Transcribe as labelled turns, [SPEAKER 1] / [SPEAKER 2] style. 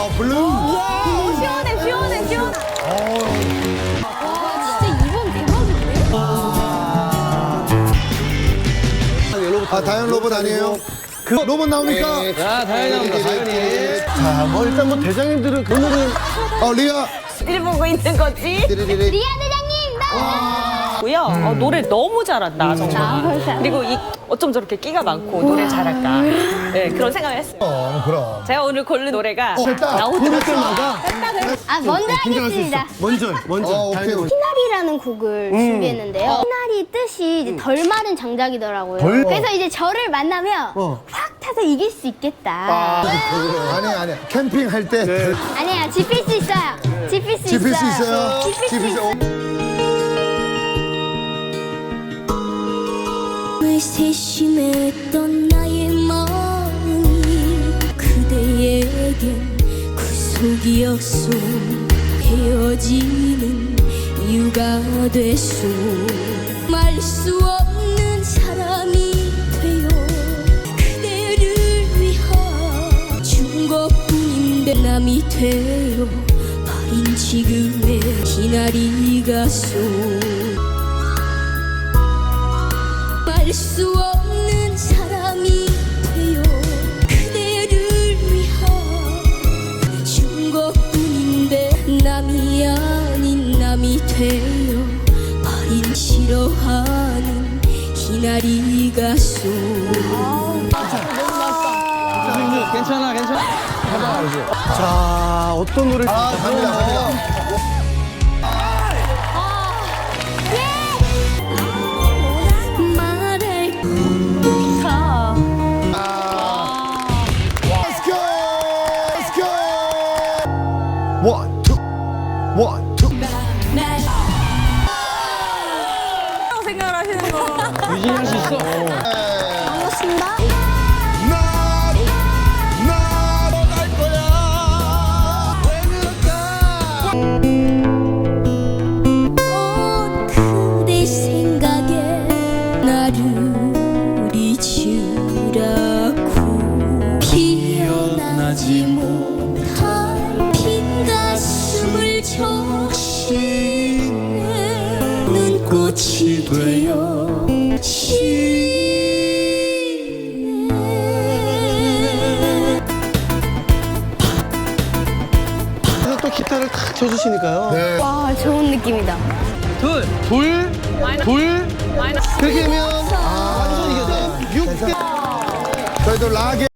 [SPEAKER 1] 블루.
[SPEAKER 2] 시원해, 시원해, 시원해. 와, 진짜 이번 대박인데?
[SPEAKER 1] 다현 로봇 아니에요? 그 로봇 나옵니까?
[SPEAKER 3] 자, 다현이 나옵니다. 다현이.
[SPEAKER 1] 자, 뭐 일단 뭐 대장님들은 오늘은 리아.
[SPEAKER 2] 일 보고 있는 거지?
[SPEAKER 1] 띠리리리.
[SPEAKER 2] 리아 대장님, 나! 고요. 노래 너무 잘한다, 정말. 그리고 어쩜 저렇게 끼가 많고 노래 잘할까. 네, 그런 생각을 했어요.
[SPEAKER 1] 그럼.
[SPEAKER 2] 제가 오늘 고른 노래가
[SPEAKER 1] 됐다.
[SPEAKER 2] 나오더라고요.
[SPEAKER 1] 때마다.
[SPEAKER 4] 먼저 하겠습니다.
[SPEAKER 1] 먼저. 오케이.
[SPEAKER 4] 희나리라는 곡을 준비했는데요. 희나리 뜻이 이제 덜 마른 장작이더라고요. 그래서 이제 저를 만나면 확 타서 이길 수 있겠다.
[SPEAKER 1] 아니야. 캠핑할 때.
[SPEAKER 4] 아니야, 짚을 수 있어요. 짚을 수
[SPEAKER 1] 짚을 수
[SPEAKER 4] 있어요.
[SPEAKER 1] 있어요.
[SPEAKER 4] 짚을 수 있어요.
[SPEAKER 5] 세심했던 나의 마음이 그대에겐 구속이었소. 헤어지는 이유가 됐소. 말 수 없는 사람이 되어 그대를 위하 준 것뿐인데 남이 되어 버린 지금의 희나리가 소. 알 수 없는 사람이 되어 그대를 위하 준 것뿐인데 남이 아닌 남이 되어 버린 싫어하는 희나리가 소.
[SPEAKER 3] 괜찮아.
[SPEAKER 1] 자, 어떤 노래? 갑니다. Let's go. One, two.
[SPEAKER 2] 생각을 하시는 거.
[SPEAKER 3] 유진이 할 수 있어.
[SPEAKER 4] 반갑습니다.
[SPEAKER 1] 나갈 거야.
[SPEAKER 5] 그대 생각에 나를 잊으라고 피어나지 못한 빈 가슴을 적시네. 눈꽃이 되어
[SPEAKER 3] 그래서 또 기타를 탁 쳐주시니까요.
[SPEAKER 1] 네.
[SPEAKER 4] 와, 좋은 느낌이다.
[SPEAKER 3] 둘. 그렇게 되면 완전 이겨져. 6개.
[SPEAKER 1] 저희도 락에